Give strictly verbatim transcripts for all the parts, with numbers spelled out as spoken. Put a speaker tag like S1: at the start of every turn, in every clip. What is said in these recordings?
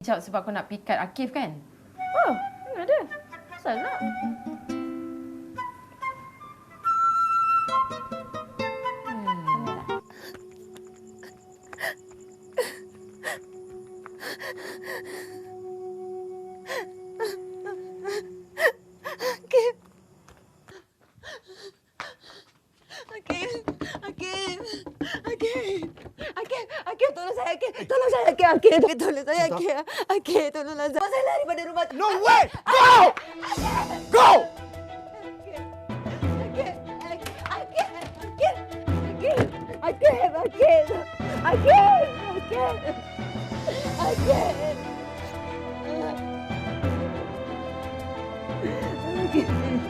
S1: kejap sebab kau nak pikat Akif kan?
S2: Oh, mana ada. Asal nak.
S3: Tolong saya, Akif. Akif, tolong saya, Akif. Akif, tolonglah saya. Saya lari pada rumah.
S4: No way! Go! Go!
S3: Akif, Akif, Akif, Akif, Akif, Akif, Akif, Akif, Akif.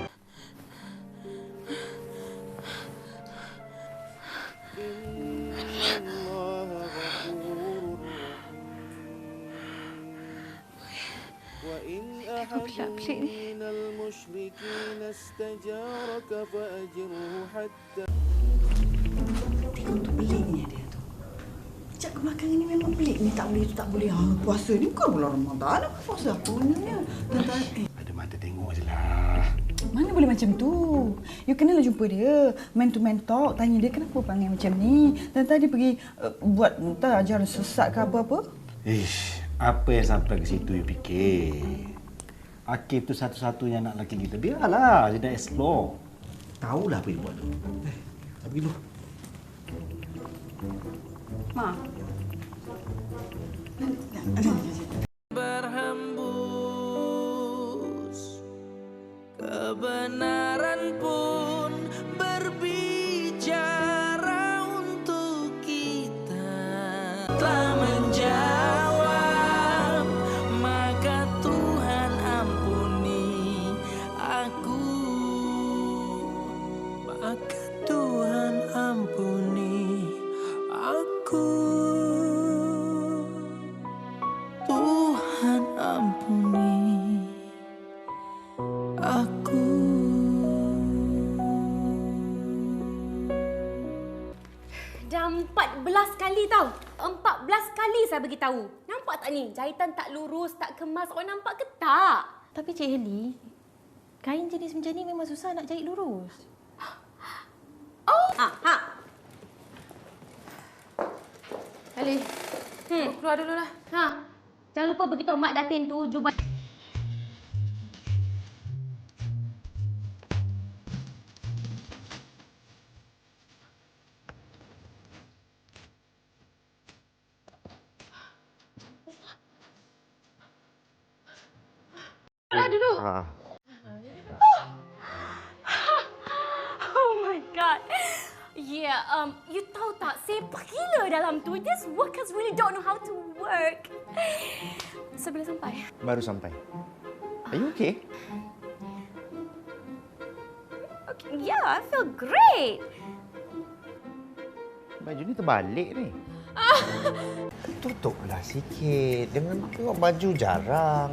S2: Aku gelap pelik ni.
S3: Tengok tu peliknya dia tu. Sejak kebelakangan ni memang pelik ni. Tak boleh tu tak boleh. Ha, puasa ni bukan bulan Ramadan. Puasa apa sebenarnya? Tentang eh.
S4: Ada mata tengok je lah.
S3: Mana boleh macam tu? You kenalah jumpa dia. Man to man talk. Tanya dia kenapa panggil macam ni. Dan tadi pergi uh, buat entah ajaran sesat ke apa-apa.
S4: Ish, apa yang sampai ke situ you fikir? Akif tu satu-satunya anak lelaki kita. Biarlah, dia dah explore. Tahulah apa yang buat tu. Eh, tak pergi dulu.
S3: Ma.
S5: Berhembus kebenaran pun berbicara untuk kita. Telah menjawab, maka Tuhan ampuni aku. Maka Tuhan ampuni aku. Tuhan ampuni aku.
S2: Dah empat belas kali tau. Empat belas kali saya bagi tahu. Nampak tak ni? Jahitan tak lurus, tak kemas. Orang nampak ke tak?
S1: Tapi Cik Heli, kain jenis macam ni memang susah nak jahit lurus.
S2: Oh! Ha, ha.
S1: Heli, hmm. keluar dululah.
S2: Ha. Jangan lupa beritahu Mak Datin tu jubah.
S1: Keluar dulu.
S4: Ha.
S2: Oh my God. Yeah, um, you tahu tak, sepak gila dalam tu. These workers really don't know how to work. So, bila sampai?
S4: Baru sampai. Are you okay?
S2: Okay, yeah, I feel great.
S4: Baju ni terbalik ni. Tutuplah sikit. Dengan tengok baju jarang.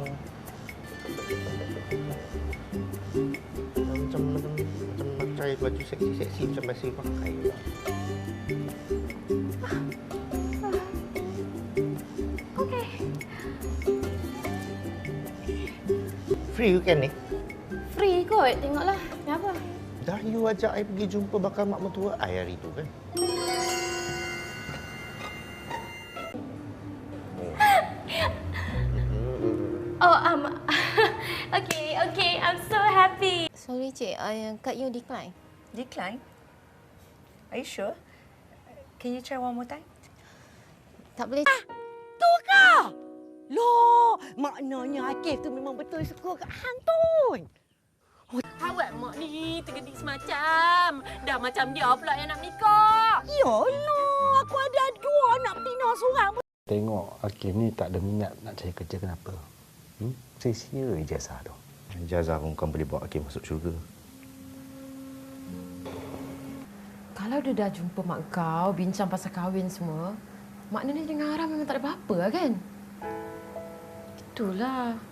S4: Macam macam macam pakai baju seksi-seksi macam biasa pakai.
S2: Okay.
S4: Free weekend ni?
S2: Free kot, tengoklah. Kenapa?
S4: Dah you ajak I pergi jumpa bakal mak mentua I hari tu kan?
S2: Oh, um, okay, okay. I'm so happy.
S6: Sorry, Cik. Uh, kad you decline.
S3: Decline? Are you sure? Can you try one more time?
S6: Tak boleh.
S3: Ah, tu ke? Loh, maknanya Akif tu memang betul suka kat hang tu.
S2: Awak mak ni tergedik semacam. Dah macam dia pula yang nak nikah.
S3: Yalah, aku ada dua anak betina seorang.
S4: Tengok Akif ni tak ada minat nak cari kerja kenapa? Hmm? Sia-sia ijazah tu. Ijazah pun bukan boleh bawa Akif masuk syurga.
S1: Kalau dia dah jumpa mak kau, bincang pasal kahwin semua, maknanya dengan Haram memang tak ada apa-apa lah kan? Itulah.